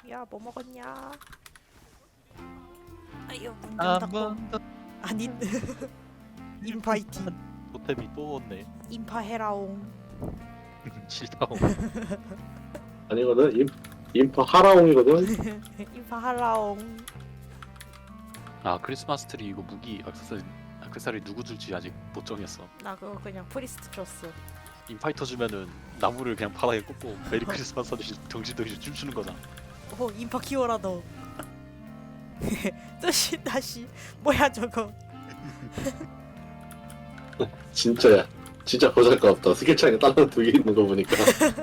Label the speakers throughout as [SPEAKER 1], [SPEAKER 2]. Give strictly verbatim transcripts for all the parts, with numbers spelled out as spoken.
[SPEAKER 1] 야, 뭐 먹었냐? 아유, 문 좀
[SPEAKER 2] 한
[SPEAKER 1] 닫고.
[SPEAKER 2] 번 더
[SPEAKER 1] 아니, 인파이팅.
[SPEAKER 2] 토템이 또 왔네.
[SPEAKER 1] 인파해라옹.
[SPEAKER 2] 싫다고.
[SPEAKER 3] 아니거든. 임, 인파 하라옹이거든.
[SPEAKER 1] 인파하라옹.
[SPEAKER 2] 아 크리스마스 트리 이거 무기 액세서리 액세서리 누구 줄지 아직 못 정했어.
[SPEAKER 1] 나 그거 그냥 프리스트 줬어.
[SPEAKER 2] 인파이터 주면은 나무를 그냥 바닥에 꽂고 메리 크리스마스 하듯이 정신들이 춤추는 거잖아.
[SPEAKER 1] 오, 인파 키워라 너. 뜻이 다시 뭐야 저거?
[SPEAKER 3] 진짜야. 진짜 보잘것없다. 스킬 차이가 다른 두 개 있는 거 보니까.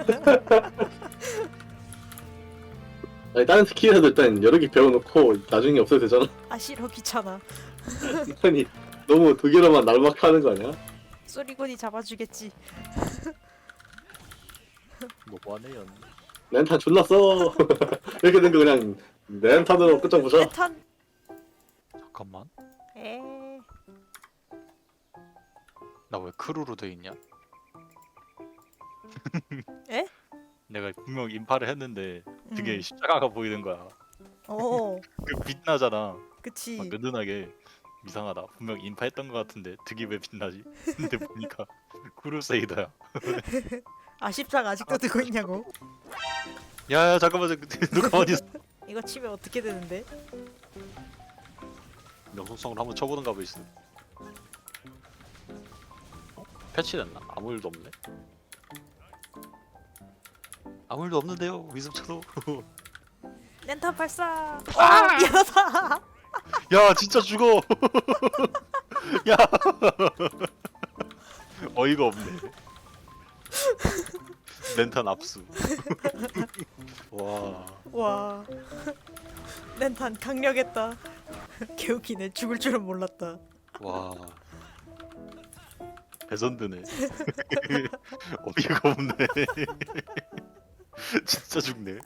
[SPEAKER 3] 아니 다른 스킬이라도 일단 여러 개 배워놓고 나중에 없어도 되잖아.
[SPEAKER 1] 아 싫어, 귀찮아.
[SPEAKER 3] 아니 너무 두 개로만 날막하는 거 아니야?
[SPEAKER 1] 쏘리곤이 잡아주겠지.
[SPEAKER 2] 너무하네요.
[SPEAKER 3] 렌탄 졸라 써. 이렇게 된 거 그냥 렌탄으로 끝장보자.
[SPEAKER 1] 메탄.
[SPEAKER 2] 잠깐만.
[SPEAKER 1] 에.
[SPEAKER 2] 나 왜 크루로 돼 있냐?
[SPEAKER 1] 에?
[SPEAKER 2] 내가 분명 인파를 했는데 되게
[SPEAKER 1] 음.
[SPEAKER 2] 십자가가 보이는 거야.
[SPEAKER 1] 어,
[SPEAKER 2] 그 빛나잖아.
[SPEAKER 1] 그치.
[SPEAKER 2] 막 은은하게. 이상하다. 분명 인파했던 것 같은데 득이 왜 빛나지? 근데 보니까 크루세이더야.
[SPEAKER 1] 아 십자가 아직도 들고 있냐고?
[SPEAKER 2] 야야 잠깐만 너 가만히 있어.
[SPEAKER 1] 이거 치면 어떻게 되는데?
[SPEAKER 2] 명성성을 한번 쳐보는가 보이스. 어? 패치됐나? 아무 일도 없네. 아무 일도 없는데요. 위습쳐도.
[SPEAKER 1] 렌탄 발사. 아 미안하다.
[SPEAKER 2] 야 진짜 죽어. 야 어이가 없네. 렌탄 압수. 와.
[SPEAKER 1] 와. 렌탄 강력했다. 개웃기네. 죽을 줄은 몰랐다.
[SPEAKER 2] 와. 레전드네. 어이가 없네. 진짜 죽네.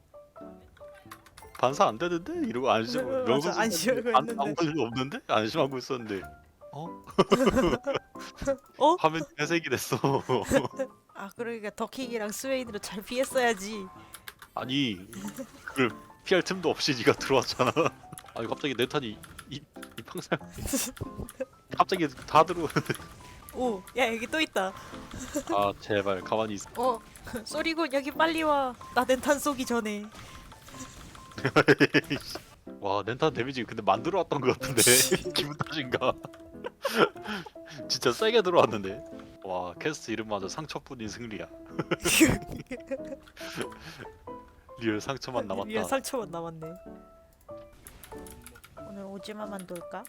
[SPEAKER 2] 반사 안 되는데 이러고 안심.
[SPEAKER 1] 맞아,
[SPEAKER 2] 명성
[SPEAKER 1] 안심하고
[SPEAKER 2] 안
[SPEAKER 1] 있는데.
[SPEAKER 2] 아무 일도 없는데 안심하고 있었는데. 어?
[SPEAKER 1] 어?
[SPEAKER 2] 화면 회색이 됐어.
[SPEAKER 1] 아 그러니까 더킹이랑 스웨이드로 잘 피했어야지.
[SPEAKER 2] 아니 그걸 피할 틈도 없이 네가 들어왔잖아. 아니 갑자기 렌탄이 이, 이 평생 갑자기 다 들어.
[SPEAKER 1] 오, 야 여기 또 있다.
[SPEAKER 2] 아 제발 가만히 있어.
[SPEAKER 1] 어, 쏘리곤 여기 빨리 와. 나 렌탄 쏘기 전에.
[SPEAKER 2] 와 렌탄 데미지 근데 만들어 왔던 것 같은데 기분 탓인가? 진짜 세게 들어왔는데. 와 캐스트 이름마저 상처뿐인 승리야. 리얼 상처만 남았다.
[SPEAKER 1] 위에 상처만 남았네. 오늘 오지마 만들까?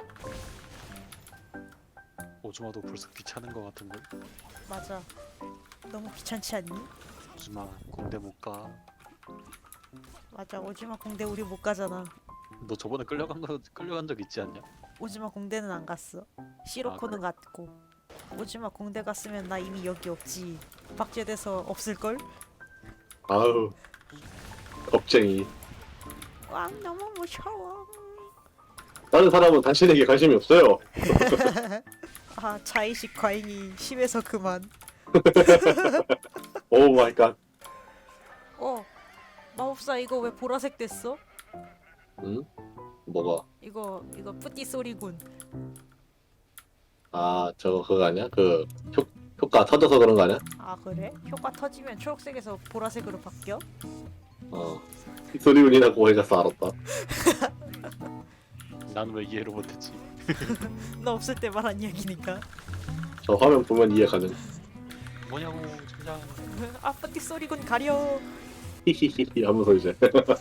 [SPEAKER 2] 오즈마도 벌써 귀찮은 것 같은데.
[SPEAKER 1] 맞아. 너무 귀찮지 않니?
[SPEAKER 2] 오즈마 공대 못 가.
[SPEAKER 1] 맞아. 오지마 공대 우리 못 가잖아.
[SPEAKER 2] 너 저번에 끌려간 거 끌려간 적 있지 않냐?
[SPEAKER 1] 오지마 공대는 안 갔어. 시로코는 갔고. 오지마 공대 갔으면 나 이미 여기 없지. 박제돼서 없을걸?
[SPEAKER 3] 아우 겁쟁이.
[SPEAKER 1] 와 너무 무서워.
[SPEAKER 3] 다른 사람은 당신에게 관심이 없어요.
[SPEAKER 1] 아 자의식 과잉이 심해서 그만.
[SPEAKER 3] 오 마이 갓.
[SPEAKER 1] 어 마법사 이거 왜 보라색 됐어?
[SPEAKER 3] 응? 뭐가?
[SPEAKER 1] 이거 이거 뿌띠 소리군.
[SPEAKER 3] 아 저거 그거 아니야? 그 효, 효과 터져서 그런 거 아니야?
[SPEAKER 1] 아 그래? 효과 터지면 초록색에서 보라색으로 바뀌어?
[SPEAKER 3] 어. 소리운이라고 해가서 알았다.
[SPEAKER 2] 난 왜 이해를 못했지?
[SPEAKER 1] 너 없을 때 말한 이야기니까.
[SPEAKER 3] 저 화면 보면 이해 가능.
[SPEAKER 2] 뭐냐고 진짜.
[SPEAKER 1] 아 뿌띠 소리군 가려.
[SPEAKER 3] 히히히히 하면서 이제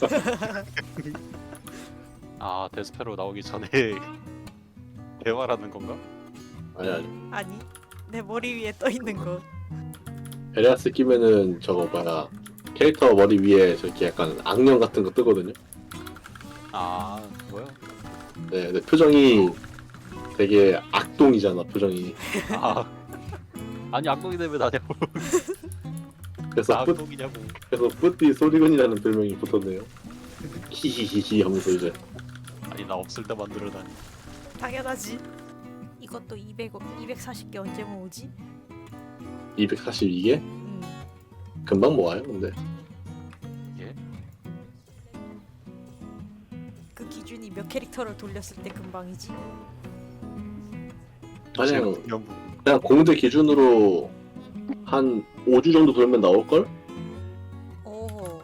[SPEAKER 2] 아 데스페로 나오기 전에 대화라는 건가?
[SPEAKER 3] 아니 아니
[SPEAKER 1] 아니 내 머리 위에 떠 있는 거.
[SPEAKER 3] 베리아스 끼면은 저거 뭐야 캐릭터 머리 위에 저렇게 약간 악령 같은 거 뜨거든요.
[SPEAKER 2] 아 뭐야?
[SPEAKER 3] 네, 근데 표정이 되게 악동이잖아 표정이.
[SPEAKER 2] 아 아니 악동이 되면 나냐고.
[SPEAKER 3] 그래서
[SPEAKER 2] 나
[SPEAKER 3] 뿌,
[SPEAKER 2] 악동이냐고.
[SPEAKER 3] 그래서 뿌띠 소리군이라는 별명이 붙었네요. 히히히히 하면서 이제
[SPEAKER 2] 아니 나 없을 때 만들어다니.
[SPEAKER 1] 당연하지. 이것도 이백, 이백사십 개 언제 모으지?
[SPEAKER 3] 이백사십이 개?
[SPEAKER 1] 음.
[SPEAKER 3] 금방 모아요 근데.
[SPEAKER 2] 예?
[SPEAKER 1] 기준이 몇 캐릭터를 돌렸을 때 금방이지?
[SPEAKER 3] 그냥
[SPEAKER 2] 그냥
[SPEAKER 3] 그냥 공대 기준으로 한 오 주 정도 돌면 나올걸?
[SPEAKER 1] 오.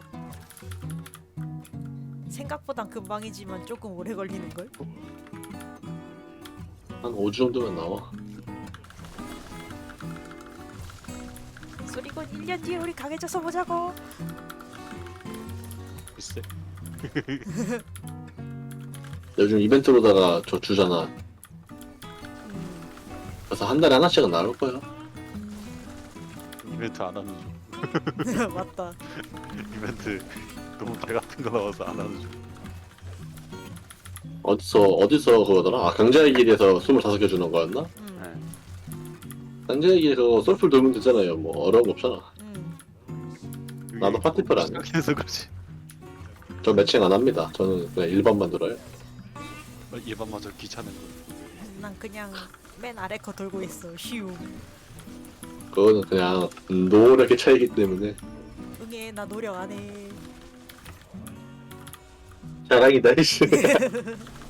[SPEAKER 1] 생각보단 금방이지만 조금 오래 걸리는 걸?
[SPEAKER 3] 한 오 주 정도면 나와.
[SPEAKER 1] 소리곤 일 년 뒤에 우리 강해져서 보자고.
[SPEAKER 2] 글쎄.
[SPEAKER 3] 요즘 이벤트로다가 저 주잖아.
[SPEAKER 1] 음.
[SPEAKER 3] 그래서 한 달에 하나씩은 나올 거야.
[SPEAKER 2] 이벤트 안 하는 중.
[SPEAKER 1] 맞다.
[SPEAKER 2] 이벤트 너무 개 같은 거 나와서 안 하는 중.
[SPEAKER 3] 어디서 어디서 그거더라? 아 강자의 길에서 스물다섯 개 주는 거였나?
[SPEAKER 1] 음.
[SPEAKER 2] 네.
[SPEAKER 3] 강자의 길에 그거 솔플 돌면 되잖아요. 뭐 어려운 거 없잖아.
[SPEAKER 1] 음.
[SPEAKER 3] 나도 파티플 안 해.
[SPEAKER 2] 시작해서 그렇지.
[SPEAKER 3] 저 매칭 안 합니다. 저는 그냥 일반만 돌아요.
[SPEAKER 2] 일반마저 귀찮은 거.
[SPEAKER 1] 난 그냥 맨 아래 거 돌고 있어. 휴.
[SPEAKER 3] 그거는 그냥 노력의 차이기 때문에
[SPEAKER 1] 응애 나 노력 안 해.
[SPEAKER 3] 자랑이다 이씨.